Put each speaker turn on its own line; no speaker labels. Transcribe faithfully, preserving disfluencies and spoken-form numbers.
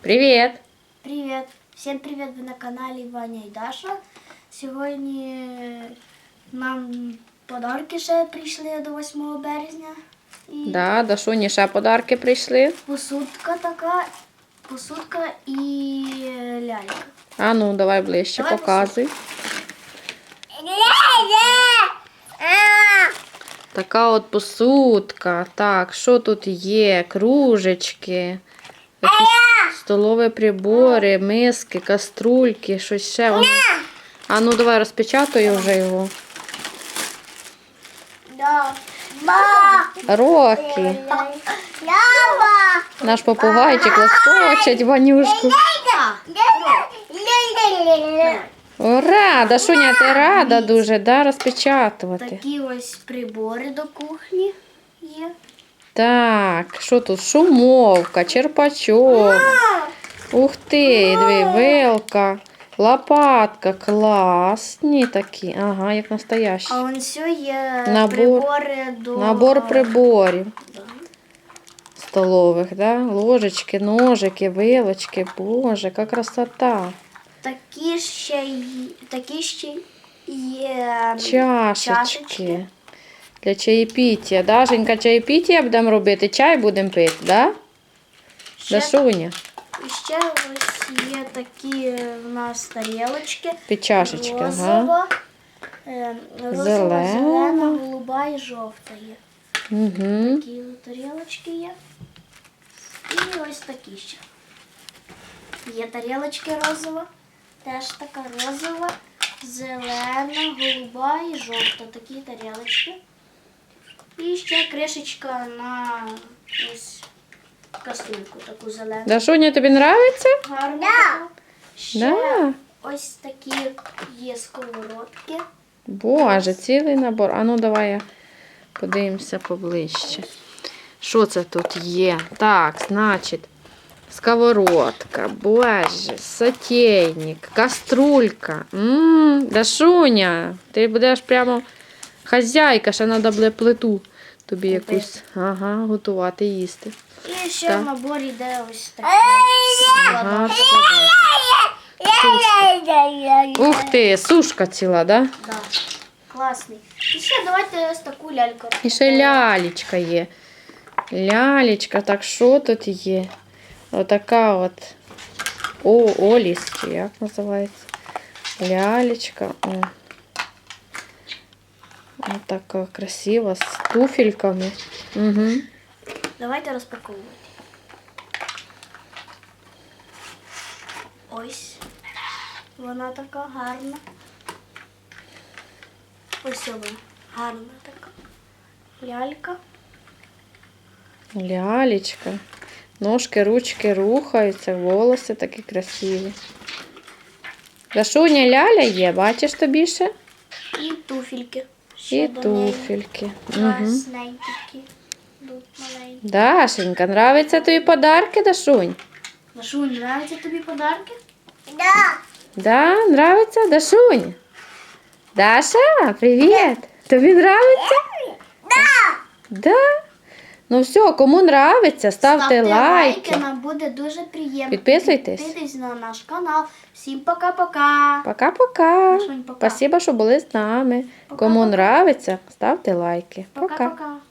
Привіт!
Привіт! Всім привіт! Ви на каналі Ваня і Даша. Сьогодні нам подарки ще прийшли до восьмого березня. І
Да, Дашуні ще подарки прийшли.
посудка така, посудка і лялька.
А ну, давай ближче,
Давай
показуй. Така от посудка. Так, що тут є? Кружечки, якісь столові прибори, миски, каструльки, щось ще. Воно... А ну, давай розпечатаю вже його.
Да.
Рокі. Наш попугайчик лоскочить Ванюшку. Ура! Дашуня, ти рада дуже, да, розпечатувати?
Такі ось прибори до кухні є.
Так, що тут? Шумовка, черпачок. Ух ти, диви, вилка, лопатка, класні такі. Ага, як настоящі.
А вон все є
Набор-
прибори до...
Набор приборів
Да.
столових, да? Ложечки, ножики, вилочки. Боже, яка красота.
Такі ще, й- такі ще є
Чашечки.
чашечки.
Для чаєпіття. Дашенька, чаєпіття будемо робити, чай будемо пити, да?
Ще,
Дашуня,
і ще ось є такі в нас тарілочки.
під чашечки, ага.
Розова, е, розова,
Зелена.
зелена, голуба і жовта є.
Угу.
Такі тарілочки є. І ось такі ще. Є тарілочки розова. Теж така розова, зелена, голуба і жовта. Такі тарілочки. І ще кришечка на ось каструльку таку зелену.
Дашуня, тобі подобається?
Гарно. Да. Ще
Да.
ось такі є сковородки.
Боже, цілий набор. А ну давай я подивимося поближче. Що це тут є? Так, значить, сковородка, боже, сотейник, каструлька. Ммм, Дашуня, ти будеш прямо хазяйка, ще треба буде плиту тобі якусь ага, готувати, їсти.
І ще
Так.
в наборі йде ось таке.
Ага, ух ти, сушка ціла, да?
Да. Класний. І ще давайте ось таку ляльку.
І ще лялечка є. Лялечка, так що тут є? Отака от. О, Оліс, чи як називається? Лялечка. О. Отака красива, з туфельками. Угу.
Давайте розпаковувати. Ось. Вона така гарна. Ось вона. Гарна така. Лялька.
Лялечка. Ножки, ручки рухаються, волоси такі красиві. Дашуня, ляля є, бачиш тобі ще?
І туфельки.
І
Ще до неї.
туфельки. Угу.
Красненькі такі. Тут маленькі.
Дашенька, нравиться тобі подарки, Дашунь?
Дашунь, нравляться тобі подарки?
Да, нравится, Дашунь? Даша, привет. Тобі нравится? Да. Да? Ну все, кому нравится, ставте,
Ставте
лайки.
лайки, нам буде дуже приємно.
Підписуйтесь.
Підписуйтесь на наш канал. Всім пока-пока.
Пока-пока.
Дашунь, пока.
Спасибо, що були з нами.
Пока-пока.
Кому нравится, ставте лайки. Пока.
Пока-пока.